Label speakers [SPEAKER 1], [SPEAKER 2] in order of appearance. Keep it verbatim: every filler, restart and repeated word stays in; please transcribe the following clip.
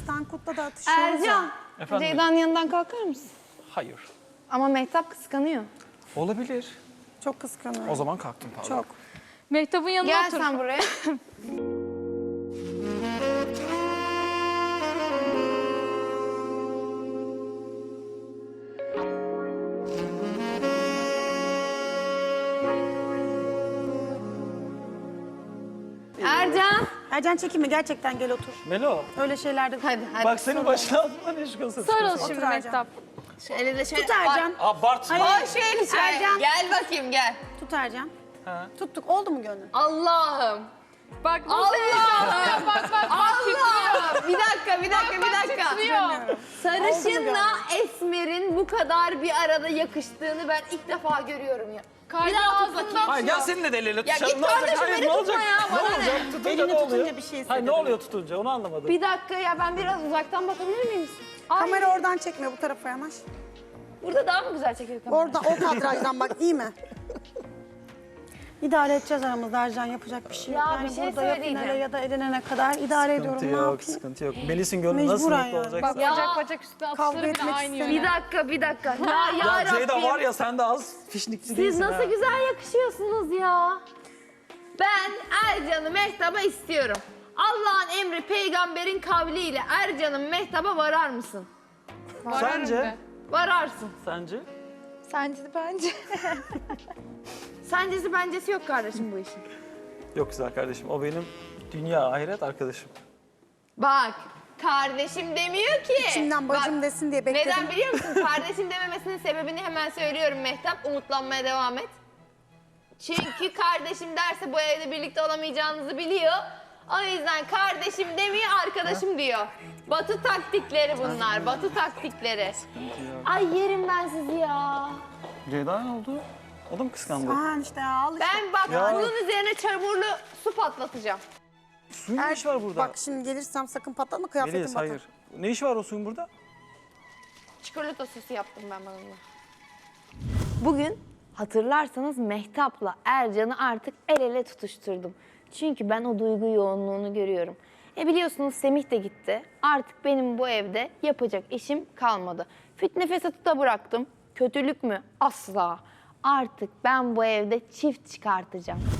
[SPEAKER 1] Tankut'la da atışıyoruz
[SPEAKER 2] Ercan,
[SPEAKER 1] ya.
[SPEAKER 3] Efendim?
[SPEAKER 2] Ceyda'nın yanından kalkar mısın?
[SPEAKER 3] Hayır.
[SPEAKER 2] Ama Mehtap kıskanıyor.
[SPEAKER 3] Olabilir.
[SPEAKER 1] Çok kıskanıyorum.
[SPEAKER 3] O zaman kalktım pardon.
[SPEAKER 1] Çok.
[SPEAKER 4] Mehtap'ın yanına
[SPEAKER 2] Gel
[SPEAKER 4] otur.
[SPEAKER 2] sen buraya. Ercan.
[SPEAKER 1] Ercan çekinme, gerçekten gel otur.
[SPEAKER 3] Melo.
[SPEAKER 1] Öyle şeylerde...
[SPEAKER 2] Hadi hadi.
[SPEAKER 3] Bak senin başına altından ne çıkıyorsun?
[SPEAKER 4] Sarıl
[SPEAKER 1] Otur
[SPEAKER 4] şimdi
[SPEAKER 1] Ercan.
[SPEAKER 4] Mehtap.
[SPEAKER 2] Şu eli de şöyle.
[SPEAKER 1] Tut Ercan.
[SPEAKER 3] Abartma.
[SPEAKER 1] Hayır.
[SPEAKER 2] Ay şu eli şöyle.
[SPEAKER 1] Ercan.
[SPEAKER 2] Gel bakayım gel.
[SPEAKER 1] Tut Ercan.
[SPEAKER 3] Ha.
[SPEAKER 1] Tuttuk. Oldu mu gönlün?
[SPEAKER 2] Allah'ım.
[SPEAKER 4] Bak nasıl heyecanlı. Bak bak bak
[SPEAKER 2] Allah! Bir dakika, bir dakika, bir dakika.
[SPEAKER 4] titriyor.
[SPEAKER 2] Sarışınla Esmer'in bu kadar bir arada yakıştığını ben ilk defa görüyorum ya.
[SPEAKER 4] Kalbi
[SPEAKER 2] daha tut
[SPEAKER 4] ağzından
[SPEAKER 3] Hayır gel seninle de el ele
[SPEAKER 2] Ya
[SPEAKER 3] tutuşalım.
[SPEAKER 2] git
[SPEAKER 3] Ne olacak?
[SPEAKER 2] kardeşim,
[SPEAKER 3] Hayır
[SPEAKER 2] beni
[SPEAKER 3] ne olacak?
[SPEAKER 2] tutma ya,
[SPEAKER 3] Ne
[SPEAKER 2] bana ne?
[SPEAKER 3] olacak? Tutunca
[SPEAKER 1] Elini
[SPEAKER 3] ne oluyor?
[SPEAKER 1] tutunca bir şey
[SPEAKER 3] Hayır
[SPEAKER 1] hissediyorum.
[SPEAKER 3] ne oluyor tutunca onu anlamadım.
[SPEAKER 2] Bir dakika ya ben biraz uzaktan bakabilir miyim? Ay,
[SPEAKER 1] Kamera oradan çekme, bu tarafa yanaş.
[SPEAKER 2] burada daha mı güzel çekiyor kamera?
[SPEAKER 1] Orada o kadrajdan bak, iyi mi? İdare edeceğiz aramızda Ercan, yapacak bir şey yok.
[SPEAKER 2] Ya
[SPEAKER 1] yani
[SPEAKER 2] bir şey
[SPEAKER 1] burada ya
[SPEAKER 2] söyleyeceğim.
[SPEAKER 1] finale ya da elenene kadar idare ediyorum.
[SPEAKER 3] Sıkıntı
[SPEAKER 1] Ne
[SPEAKER 3] yok,
[SPEAKER 1] yapayım?
[SPEAKER 3] sıkıntı yok. Melis'in gönlü nasıl
[SPEAKER 1] Mecburen
[SPEAKER 3] mutlu
[SPEAKER 1] yani.
[SPEAKER 3] olacak?
[SPEAKER 4] Bak
[SPEAKER 2] Ya.
[SPEAKER 4] bacak bacak üstü
[SPEAKER 1] Kavga
[SPEAKER 4] atışları bile
[SPEAKER 1] etmek
[SPEAKER 4] aynı
[SPEAKER 1] istemiyorum.
[SPEAKER 2] Bir
[SPEAKER 4] yöne.
[SPEAKER 2] dakika, bir dakika. Ya, ya,
[SPEAKER 3] Ya Ceyda
[SPEAKER 2] Rabbim.
[SPEAKER 3] var ya sen de az fişnikçi
[SPEAKER 2] Siz
[SPEAKER 3] değilsin
[SPEAKER 2] nasıl
[SPEAKER 3] ha.
[SPEAKER 2] güzel yakışıyorsunuz ya. Ben Ercan'ı Mehtap'a istiyorum. Allah'ın emri peygamberin kavliyle Ercan'ın Mehtap'a varar mısın?
[SPEAKER 4] Vararım
[SPEAKER 3] Sence?
[SPEAKER 4] de.
[SPEAKER 2] Vararsın.
[SPEAKER 3] Sence?
[SPEAKER 4] Sence bence.
[SPEAKER 2] Sencesi bencesi yok kardeşim bu işin.
[SPEAKER 3] Yok güzel kardeşim o benim dünya ahiret arkadaşım.
[SPEAKER 2] Bak kardeşim demiyor ki.
[SPEAKER 1] İçimden bacım
[SPEAKER 2] Bak,
[SPEAKER 1] desin diye bekledim.
[SPEAKER 2] neden biliyor musun? Kardeşim dememesinin sebebini hemen söylüyorum Mehtap. Umutlanmaya devam et. Çünkü kardeşim derse bu evde birlikte olamayacağınızı biliyor. O yüzden kardeşim demiyor, arkadaşım diyor. Batı taktikleri bunlar, batı taktikleri. Ay yerim ben sizi ya.
[SPEAKER 3] Ceyda ne oldu? O da mı kıskandı?
[SPEAKER 1] Aa işte ya, al işte.
[SPEAKER 2] Ben bak
[SPEAKER 3] Ya.
[SPEAKER 2] bunun üzerine çamurlu su patlatacağım.
[SPEAKER 3] Suyun ne işi var burada?
[SPEAKER 1] Bak şimdi gelirsem sakın patlatma, kıyafetim
[SPEAKER 3] Melis
[SPEAKER 1] batar.
[SPEAKER 3] hayır. Ne işi var o suyun burada?
[SPEAKER 2] Çikolata sosu yaptım ben bununla. Bugün hatırlarsanız Mehtap'la Ercan'ı artık el ele tutuşturdum. Çünkü ben o duygu yoğunluğunu görüyorum. E biliyorsunuz Semih de gitti. Artık benim bu evde yapacak işim kalmadı. Fitne fesatı da bıraktım. Kötülük mü? Asla. Artık ben bu evde çift çıkartacağım.